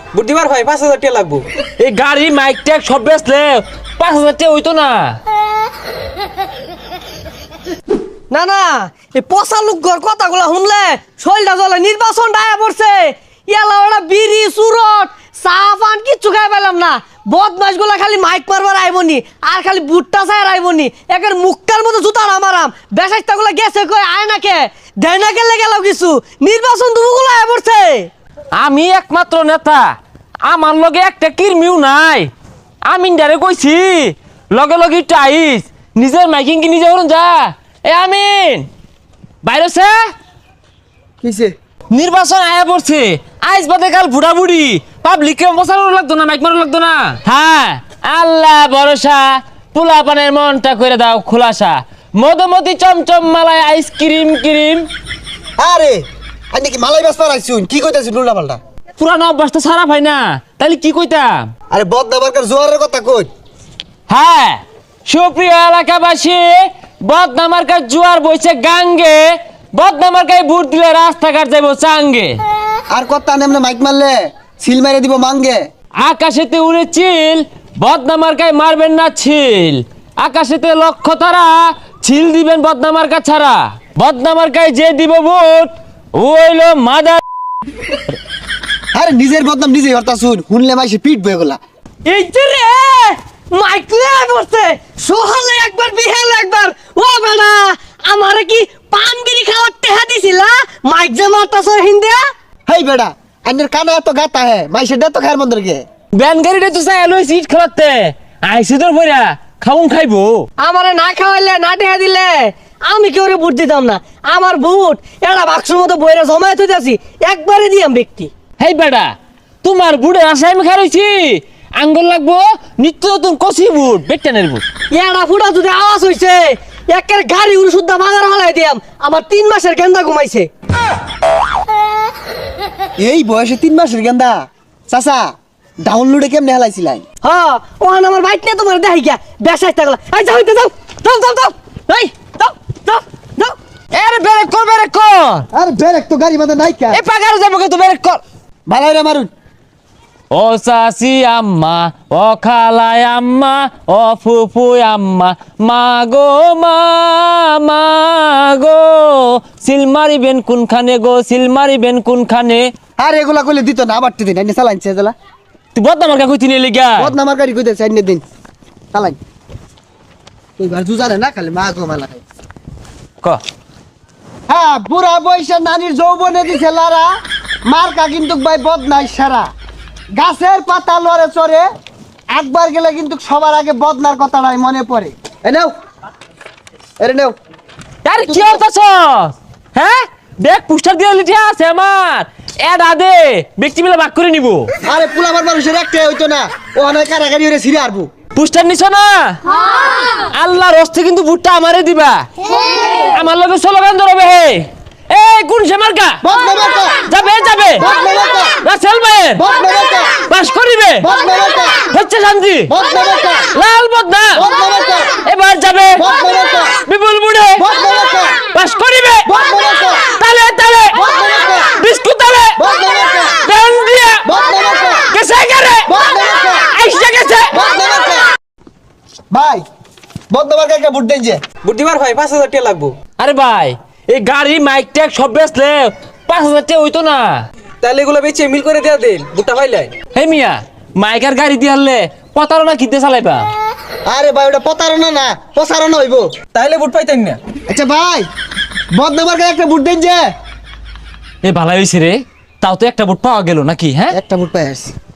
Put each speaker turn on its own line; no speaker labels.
বুদ্ধিবার ভাই 5,000 টাকা লাগবো।
এই গাড়ি মাইক ট্যাগ সব বেচলে 5,000 টাকা হইতো না।
না না এই পচা লোকর কথাগুলো শুনলে শরীরটা জ্বলে। নির্বাচন ডায়া পড়ছে, ইয়ালা ওরা বিড়ি সুরট চা পান কিচ্ছু খাই পেলাম না। বদমাস গুলা খালি মাইক মারবার আইবনি আর খালি বুটটা চাই আইবনি। একের মুক্কার মতো জুতার আমারাম বেসাইটা গুলা গেছে কই আয় না কে দেয় না গেলে গেল কিছু। নির্বাচন দুগুলো আয় পড়ছে।
আমি একমাত্র নেতা, আমার লগে একটা কিরমিও নাই। আমি ডারে কইছি লগে লগে টাইস নিজের মাইকিং কি নিজে করুন যা। এ আমিন বাইরেছে
কিসে
নির্বাচন আয়া পড়ছে, আইস বাদে কাল বুড়া বুড়ি পাবলিককে বসানো লাগতো না, মাইক মারো লাগতো না। হ্যাঁ আল্লাহ ভরসা, পোলা পানের মনটা করে দাও খোলাসা। মধুমতি চমচম মালায় আইসক্রিম ক্রিম।
আরে আই নাকি মালাই বাস পারাইছুন কি কইতাছিস উল্টা পাল্টা?
পুরানো অভ্যাস তো সারা ভাই না, তাইলে কি কইতাম?
আরে বদনাবারকার জোয়ারের কথা কই।
হ্যাঁ সুপ্রিয় এলাকাবাসী, বদনামার কাজ জুয়ার বইছে গাঙ্গে, বদনামার কাজ ভোট দিলে রাস্তাঘাট যাইব চাঙ্গে।
আর কথা নেমনে মাইক মারলে সিল মেরে দিব মাঙ্গে।
আকাশেতে উড়ে চিল, বদনামার কাজ মারবেন না ছিল। আকাশেতে লক্ষ্য তারা, ছিল দিবেন বদনামার কাজ ছাড়া। বদনামার কাজ যে দিব ভোট ও হইল মাদার।
আরে নিজের বদনাম নিজেই হরতা শুন, শুনলে মাইসে পিট বয়ে গলা।
এই যে রে মাইক আয় পড়ছে, সোহালে একবার বিহালে একবার। ও বেটা আমারে কি পানগিরি খাওয়ার টেহা দিছিলা? মাইক যে মারতাছ হিন্দিয়া।
হেই বেড়া আইনের কানে এত গাতা হে মাইসে দে তো খায়ের মন্দিরকে।
ব্যান গাড়িটা তো চাই লই সিট খেলাতে আইসি তোর ভইরা খাউন খাইবো।
আমারে না খাওয়াইলে না টেহা দিলে আমি কেউ ভোট দিতাম না। আমার ভোট এটা বাক্সর মতো বইরা জমায়ে থইতাছি, একবারে দিয়াম ব্যক্তি।
হেই বেটা তোমার বুড়ে আশায় আমি খাইছি, আঙ্গুল লাগবো নিত্য নতুন কষি বুট বেটানের বুট।
এড়া ফুটা যদি আওয়াজ হইছে একের গাড়ি উড়ে শুদ্ধা বাজার হলাই দিয়াম। আমার 3 মাসের গেন্দা ঘুমাইছে।
এই বয়সে 3 মাসের গেন্দা চাচা ডাউনলোডে কেমনে হেলাইছিলাই?
হ্যাঁ ওখানে আমার বাইক নিয়ে তোমার দেখাই গিয়া বেসাই থাকলা। এই যাও যাও যাও যাও যাও এই যাও যাও যাও।
এর ব্রেক কর ব্রেক কর।
আরে ব্রেক তো গাড়ি মাথা নাই কা।
এ পাগার যাবো কে তো ব্রেক কর।
ভালাই মারুন।
ও চাচি আম্মা, ও খালাই আম্মা, ও ফুফু আম্মা, মা গো মা গো সিল মারিবেন কোনখানে গো, সিল মারিবেন কোনখানে।
আর এগুলা কইলে দিত না আবার দিন আইনে চালাইছে জলা।
তুই বদনামার কা কইতি নিয়ে লিগা
বদনামার গাড়ি কইতেছে আইনে দিন চালাই। কইবার জুজারে না খালি মা গো মালা খাই।
ক
হ্যাঁ বুড়া বয়সে নানির যৌবনে দিছে লারা, মার্কা কিন্তু ভাই বদনাই সারা। গাছের পাতা লড়ে চড়ে, একবার গেলে কিন্তু সবার আগে বদনার কথাটাই মনে পড়ে। এ নাও এরে নাও।
আরে কি হতাছ? হ্যাঁ দেখ পোস্টার দিয়ে লিখে আছে আমার এড আদে ব্যক্তি মিলে ভাগ করে নিব।
আরে পুলাবার মানুষের একটাই হইতো না, ও অনেক কারাগারি হয়ে ছিঁড়ে আরবো।
পোস্টার নিছ না? আল্লাহর হস্তে কিন্তু ভুট্টা আমারে দিবা। আমার লগে স্লোগান ধরবে হে এ কোন সে মার্কা
বদনা মার্কা
যাবে যাবে
বদনা মার্কা
রাসেল ভাইয়ের
বদনা মার্কা
পাস করিবে
বদনা মার্কা
হচ্ছে শান্তি
বদনা মার্কা
লাল বদনা
বদনা মার্কা
এবার যাবে
বদনা মার্কা
বিপুল বুড়ে
বদনা মার্কা
পাস করিবে
বদনা মার্কা
তালে তালে
বদনা মার্কা
বিস্কুট তালে
বদনা মার্কা
দেন দিয়া
বদনা মার্কা
গেছে গেরে
বদনা মার্কা
আইসা গেছে।
বদনা মার্কা। ভাই বদনা মার্কা কে ভোট দেন যে?
বুদ্ধিবার ভাই 5,000 টাকা লাগবো।
আরে ভাই এই গাড়ি মাইক ট্যাগ সব বেচলে 5,000 টাকা হইতো না।
তাহলে এগুলো বেচে মিল করে দেয়া দেন বুটটা পাইলাই।
হে মিয়া মাইকার গাড়ি দিয়ে হারলে প্রতারণা কিনতে চালাইবা।
আরে ভাই ওটা প্রতারণা না প্রসারণা হইবো।
তাহলে বুট পাইতেন না।
আচ্ছা ভাই বদনা মার্কা একটা ভোট দেন যে?
এ ভালাই হইছে রে, তাও তো একটা বুট পাওয়া গেল নাকি? হ্যাঁ
একটা ভোট পাই আসছি।